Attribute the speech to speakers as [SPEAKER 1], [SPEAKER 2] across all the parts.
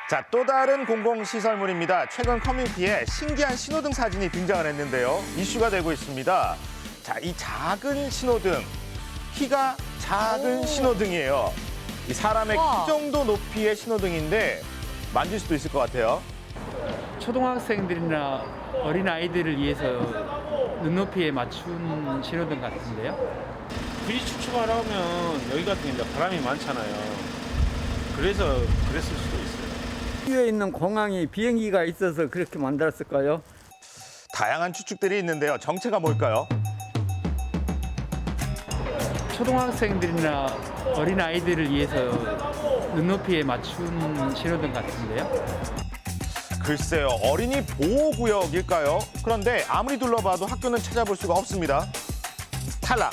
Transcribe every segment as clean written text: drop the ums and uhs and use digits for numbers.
[SPEAKER 1] 자, 또 다른 공공시설물입니다. 최근 커뮤니티에 신기한 신호등 사진이 등장을 했는데요. 이슈가 되고 있습니다. 자, 이 작은 신호등, 키가 작은 신호등이에요. 이 사람의 키 정도 높이의 신호등인데 만질 수도 있을 것 같아요.
[SPEAKER 2] 초등학생들이나 어린아이들을 위해서 눈높이에 맞춘 신호등 같은데요.
[SPEAKER 3] 비리 축축하러 오면 여기 같은 경우는 바람이 많잖아요. 그래서 그랬을 수도 있어요.
[SPEAKER 4] 위에 있는 공항이 비행기가 있어서 그렇게 만들었을까요?
[SPEAKER 1] 다양한 추측들이 있는데요. 정체가 뭘까요?
[SPEAKER 2] 초등학생들이나 어린아이들을 위해서 눈높이에 맞춘 신호등 같은데요.
[SPEAKER 1] 글쎄요, 어린이 보호구역일까요? 그런데 아무리 둘러봐도 학교는 찾아볼 수가 없습니다. 탈락.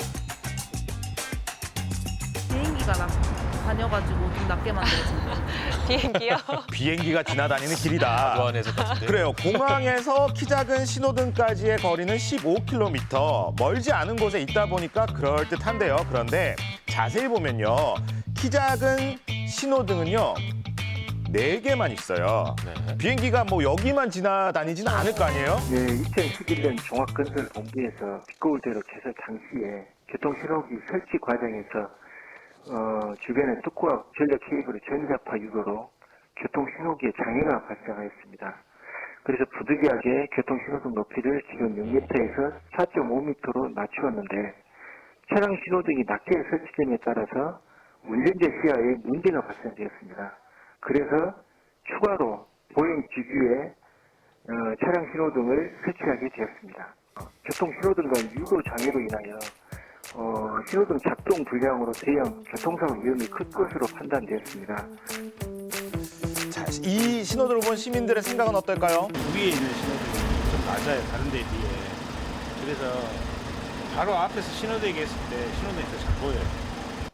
[SPEAKER 5] 비행기가 다녀가지고 좀 낮게 만들어진 거.
[SPEAKER 6] 비행기요?
[SPEAKER 1] 비행기가 지나다니는 길이다.
[SPEAKER 7] 무한해서 같은데.
[SPEAKER 1] 그래요. 공항에서 키 작은 신호등까지의 거리는 15km. 멀지 않은 곳에 있다 보니까 그럴듯한데요. 그런데 자세히 보면요. 키 작은 신호등은요. 4개만 있어요.
[SPEAKER 7] 네.
[SPEAKER 1] 비행기가 뭐 여기만 지나다니지는 않을 거 아니에요?
[SPEAKER 8] 네, 2011년 종합건설본부에서 빛거울대로 개설 당시에 교통신호기 설치 과정에서 주변에 특고와 전력 케이블의 전자파 유도로 교통신호기에 장애가 발생하였습니다. 그래서 부득이하게 교통신호등 높이를 지금 6m에서 4.5m로 낮추었는데 차량 신호등이 낮게 설치됨에 따라서 운전자 시야에 문제가 발생되었습니다. 그래서 추가로 보행 지규에 차량 신호등을 설치하게 되었습니다. 교통신호등과 유도 장애로 인하여 신호등 작동 불량으로 대형 교통사고 위험이 클 것으로 판단되었습니다.
[SPEAKER 1] 자, 이 신호등을 본 시민들의 생각은 어떨까요?
[SPEAKER 3] 위에 있는 신호등이 좀 낮아요, 다른 데에 비해. 그래서 바로 앞에서 신호등이 있을 때 신호등이 더 잘 보여요.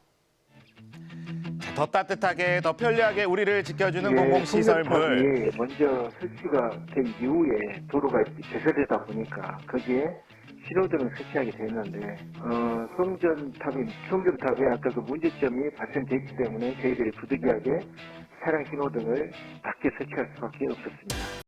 [SPEAKER 1] 더 따뜻하게, 더 편리하게 우리를 지켜주는
[SPEAKER 8] 예,
[SPEAKER 1] 공공시설물.
[SPEAKER 8] 송전탑이 먼저 설치가 된 이후에 도로가 개설되다 보니까 거기에 신호등을 설치하게 됐는데 송전탑에 아까 그 문제점이 발생됐기 때문에 저희들이 부득이하게 차량 신호등을 낮게 설치할 수밖에 없었습니다.